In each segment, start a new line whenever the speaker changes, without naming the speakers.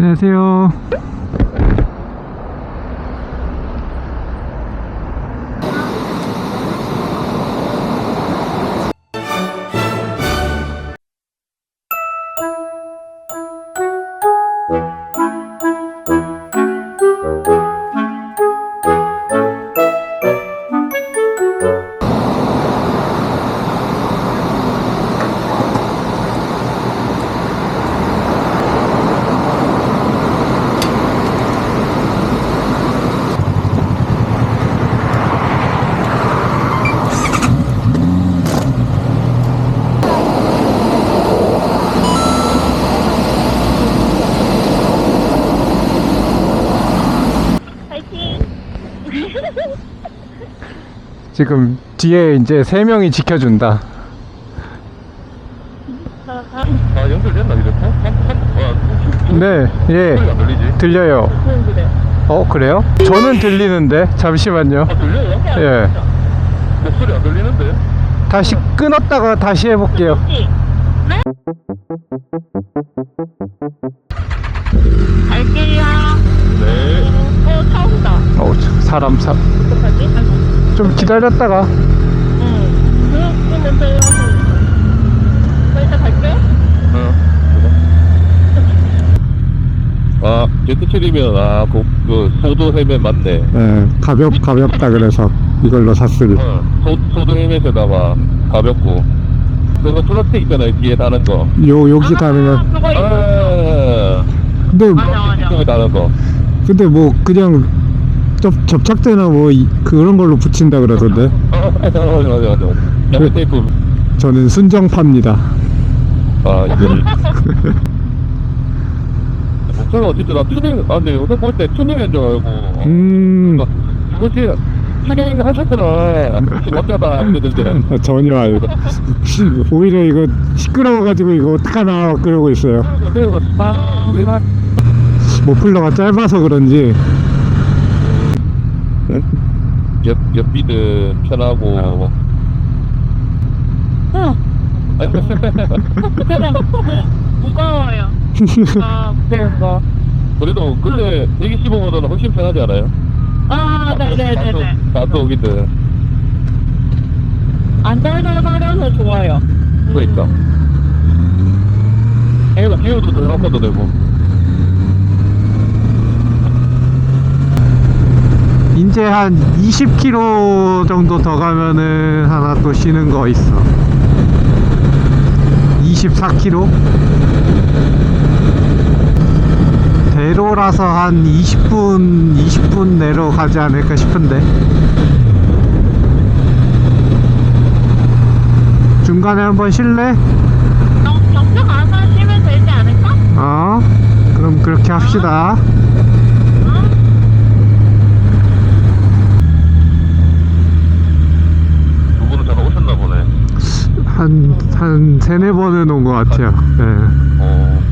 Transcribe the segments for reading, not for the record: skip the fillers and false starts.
안녕하세요. 지금 뒤에 이제 3명이 지켜준다.
연결됐나 이제?
네, 예.
소리가 안 들리지?
들려요. 그래요? 저는 들리는데. 잠시만요.
들려요?
예.
목소리 안 들리는데?
다시 끊었다가 다시 해볼게요.
갈게요.
네.
차 온다.
사람
어떡하지?
좀 기다렸다가.
그럼 먼저 일어나서. 나 이따 갈게.
아, 제트트리면 그 소도 헬멧 맞네.
예, 가볍다 그래서 이걸로 샀으니.
소도 헬멧에다가 가볍고. 그거 플라스틱 있잖아요, 뒤에 다는 거.
여기 다니면.
그거 있어.
아,
근데
플라스틱 다는 거.
뭐 그냥 접착제나 뭐 그런 걸로 붙인다 그러던데.
맞아. 양면 테이프.
저는 순정파입니다.
아, 이거를. 목소리가 어쨌든 나 튜닝, 근데 요새 볼 때 튜닝인 줄 알고. 그렇지. 튜닝 하셨구나. 어쩌다, 이러던데.
전혀 알고. 오히려 이거 시끄러워가지고 이거 어떡하나 그러고 있어요. 머플러가 짧아서 그런지.
옆비는 편하고.
무거워요. 그래서.
그래도 근데 125보다는 훨씬 편하지 않아요?
네네네네.
나도 오기든.
안 달달거려서 좋아요.
그러니까. 헤어도 더 한번도 되고.
이제 한 20km 정도 더 가면은 하나 또 쉬는 거 있어. 24km? 대로라서 한 20분 내로 가지 않을까 싶은데. 중간에 한번 쉴래?
경주 가서 쉬면 되지 않을까?
그럼 그렇게 합시다.
두 분은 잠깐 오셨나 보네.
한 3-4번은 온 것 같아요. 네.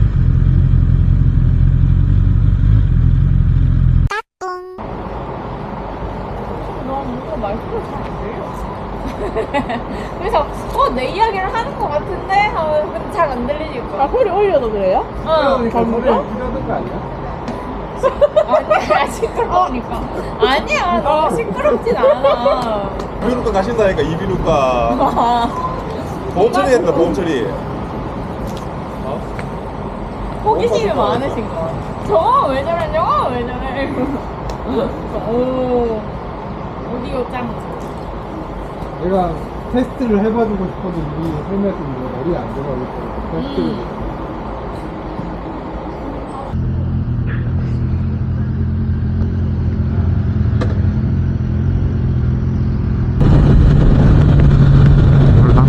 말투가 잘안 들려. 그래서 내 이야기를 하는 것 같은데 하면 잘 안 들리니까. 소리 올려도 그래요?
소리 이러는 거 아니야?
아니야, 시끄러우니까. 아니야, 너무 시끄럽진 않아.
이비인후과 가신다니까. 이비인후과 보험 처리했다. 보험 처리.
호기심이 많으신 거. 저거 왜 저래? 저거 왜 저래? 오, 오디오 짱.
내가 테스트를 해봐주고 싶어도 이 헬멧은 머리에 안 들어가기 때문에 테스트를. 몰라.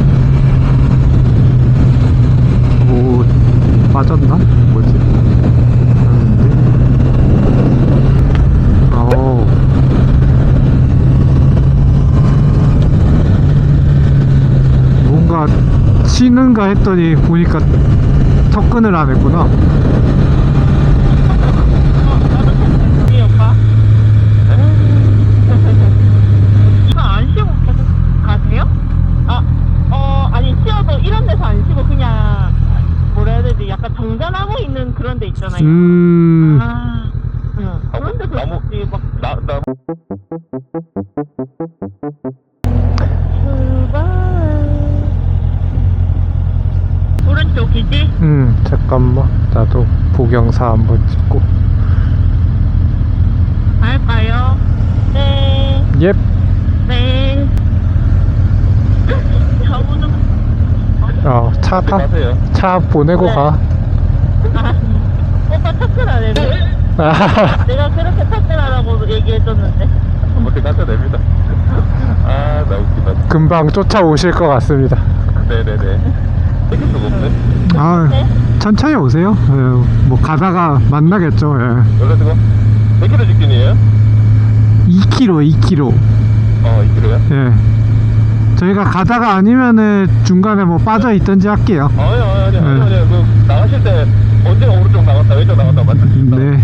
빠졌나? 뭐지? 뭔가 쉬는가 했더니 보니까 접근을 안 했구나.
우리 오빠? 안 쉬고 계속 가세요? 아니 쉬어도 이런 데서 안 쉬고 그냥 뭐라 해야 되지? 약간 정전하고 있는 그런 데 있잖아요. 아, 응. 그런 데서
나무 나
오른쪽이지?
잠깐만. 나도 보경사 한번 찍고.
갈까요? 네.
옙.
네. 저분은
차
가세요.
차 보내고
네.
가.
오빠 탑승하네.
아,
내가 그렇게 탑승하라고 얘기해줬는데.
어떻게 가셔야 됩니다. 아, 나 웃기다.
금방 쫓아오실 것 같습니다.
네네네. 이길 수가 없네.
아, 천천히 오세요. 뭐 가다가 만나겠죠.
그래가지고 100km 직진이에요?
2km.
2km요?
예. 저희가 가다가 아니면은 중간에 뭐 빠져 있든지 할게요.
아니. 그 나가실 때 언제가 오른쪽 나갔다 왼쪽 나갔다 맞습니다.
네.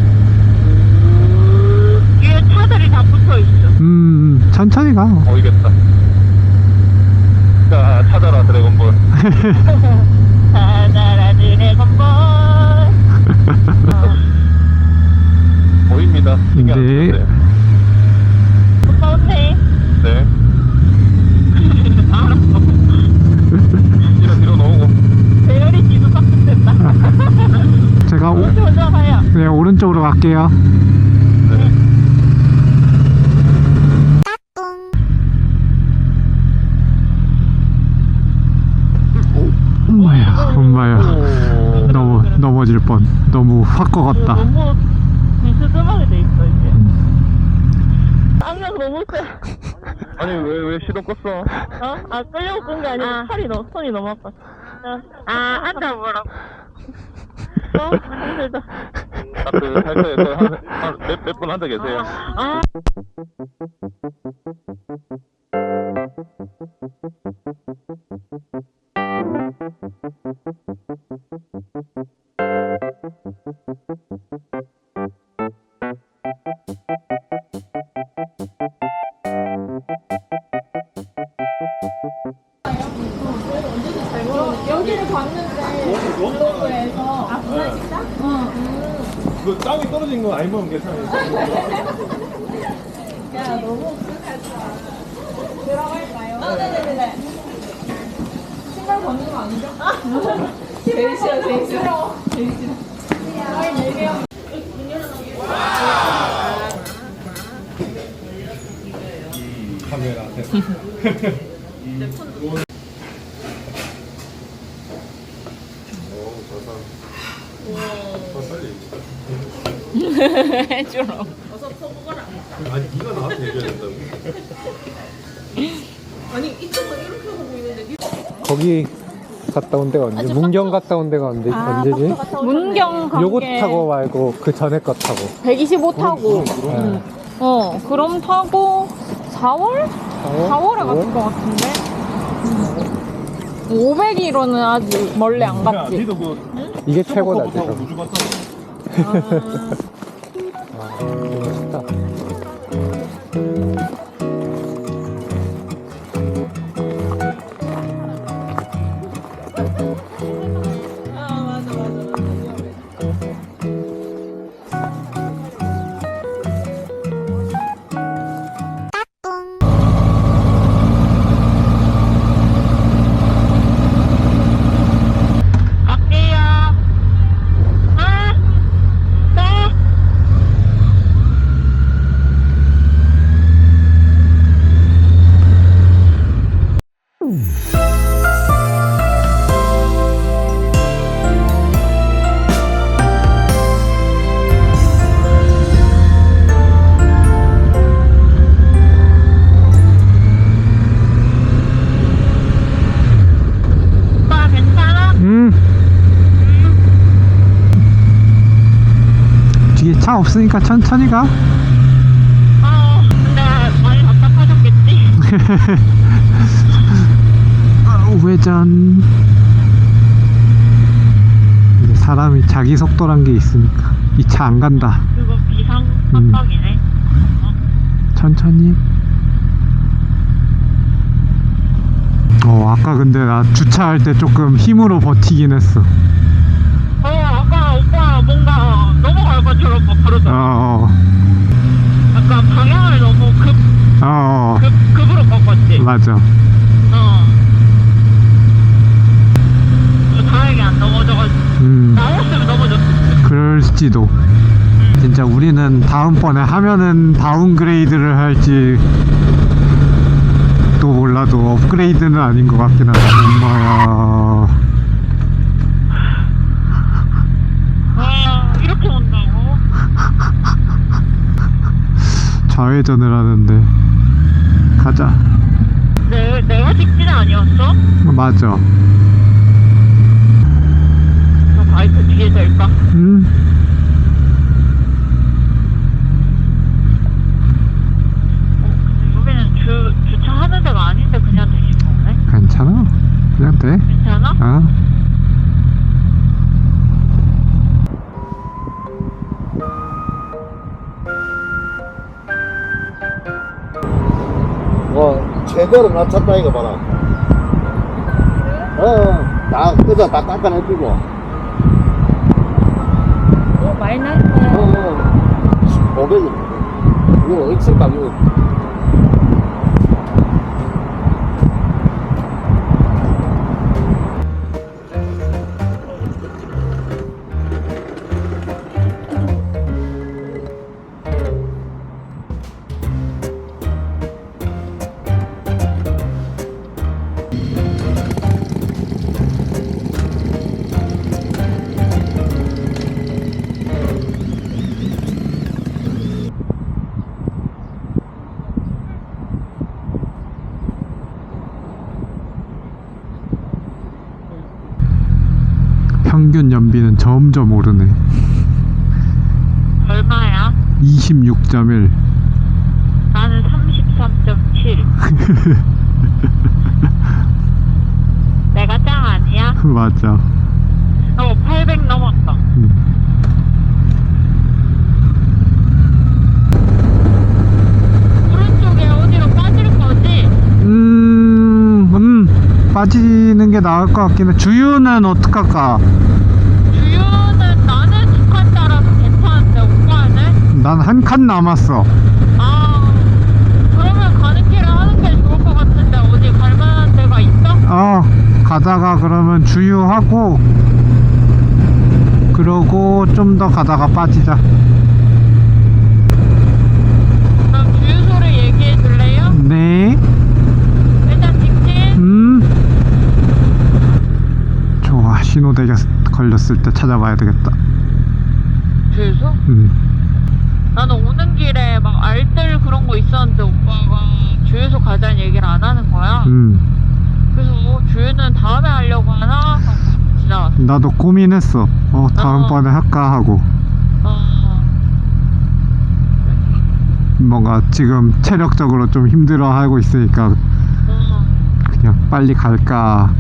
뒤에 차들이 다 붙어있어.
천천히 가.
보이겠다. 자, 찾아라 드래곤볼.
찾아라 드래곤볼.
보입니다. 신경 안
네.
쓰세요.
오빠 오세요.
네.
알았어.
뒤로 놓고.
배열이 뒤도 빡빡된다.
제가
먼저 가요.
네, 오른쪽으로 갈게요.
네.
엄마야.
오.
넘어질 뻔. 너무 확 꺾었다.
너무 비스듬하게 돼 있어 이제. 악력 너무 세.
아니 왜 시동 껐어?
어? 아 끌려고 끈 게 아니고 손이 너무 아파. 앉아보라고. 힘들다.
몇 분 앉아 계세요.
아. 여기를 봤는데 블로그에서 부산식당?
그 땅이 떨어진 거 아니면 괜찮아요.
야 너무 들어갈까요? 네네네. 신발 벗는 거 아니죠? 제일 싫어 제일 싫어. 저희 4명.
카메라.
해주러.
아니 네가 나한테 얘기해야 된다고.
거기 갔다 온 데가 언제? 문경 갔다 온 데가 언제지?
문경 간
요거
게
타고 말고 그 전에 거 타고.
125 타고.
네.
그럼 타고 4월? 4월에 갔을 것 같은데. 500km는 아직 멀리 안 갔지.
니도 그
이게 최고다
타고
지금.
우주 갔잖아.
멋있다. 뒤에 차 없으니까 천천히 가.
근데 많이 답답하셨겠지?
우회전. 이제 사람이 자기 속도란 게 있으니까 이 차 안 간다.
그거 비상 깜빡이네.
천천히. 아까 근데 나 주차할 때 조금 힘으로 버티긴 했어.
아까 뭔가 넘어갈 것처럼 막 그러잖아. 약간 방향을 너무 급으로 바꿨지.
맞아.
다행히 안 넘어져가지고. 나였으면 넘어졌어.
그럴지도. 진짜 우리는 다음번에 하면은 다운그레이드를 할지 또 몰라도 업그레이드는 아닌 것 같긴 한데. 엄마야.
이렇게 온다고?
좌회전을 하는데. 가자.
내가 직진 아니었어?
맞아.
저 바이크 뒤에 될까? 근데 여기는 주차하는 데가 아닌데 그냥 되신 거네?
괜찮아. 그냥 돼.
괜찮아?
와 제대로 낮췄다 이거 봐라. 다 끄자 다 깎아내주고.
많이 났네.
500원. 이거 엑셀 가격.
평균 연비는 점점 오르네.
얼마야?
26.1.
나는 33.7. 내가 짱 아니야?
맞아.
800 넘었다. 오른쪽에 어디로 빠질 거지?
빠지는 게 나을 것 같긴 해. 주유는 어떡할까?
주유는 나는 두 칸 따라서 괜찮은데 오빠는?
난 한 칸 남았어.
그러면 가는 길에 하는 게 좋을 것 같은데 어디 갈 만한 데가 있어?
가다가 그러면 주유하고 그러고 좀 더 가다가 빠지자.
그럼 주유소를 얘기해 줄래요?
네.
일단 직진.
좋아. 신호대가 걸렸을 때 찾아봐야 되겠다.
주유소? 나는 오는 길에 막 알뜰 그런 거 있었는데 오빠가 주유소 가자는 얘기를 안 하는 거야. 그래서 주유는 다음에 하려고 하나? 하고 지나갔어.
나도 고민했어. 다음번에 할까 하고. 뭔가 지금 체력적으로 좀 힘들어하고 있으니까 그냥 빨리 갈까.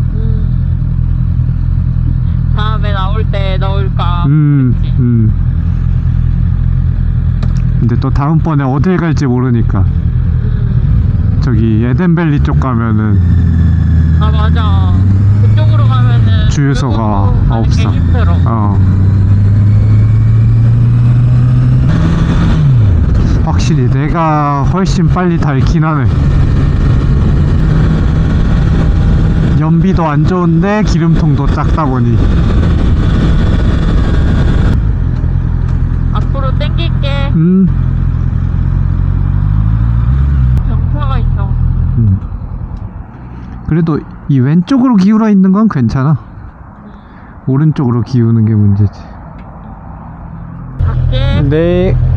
다음에 나올 때 넣을까? 그랬지.
근데 또 다음번에 어딜 갈지 모르니까. 저기 에덴밸리 쪽 가면은
맞아. 그쪽으로 가면은
주유소가
가는 게
없어.
힘들어.
확실히 내가 훨씬 빨리 닳긴 하네. 연비도 안 좋은데 기름통도 작다 보니.
앞으로 땡길게. 경사가 있어.
그래도 이 왼쪽으로 기울어 있는 건 괜찮아. 오른쪽으로 기우는 게 문제지.
갈게.
네.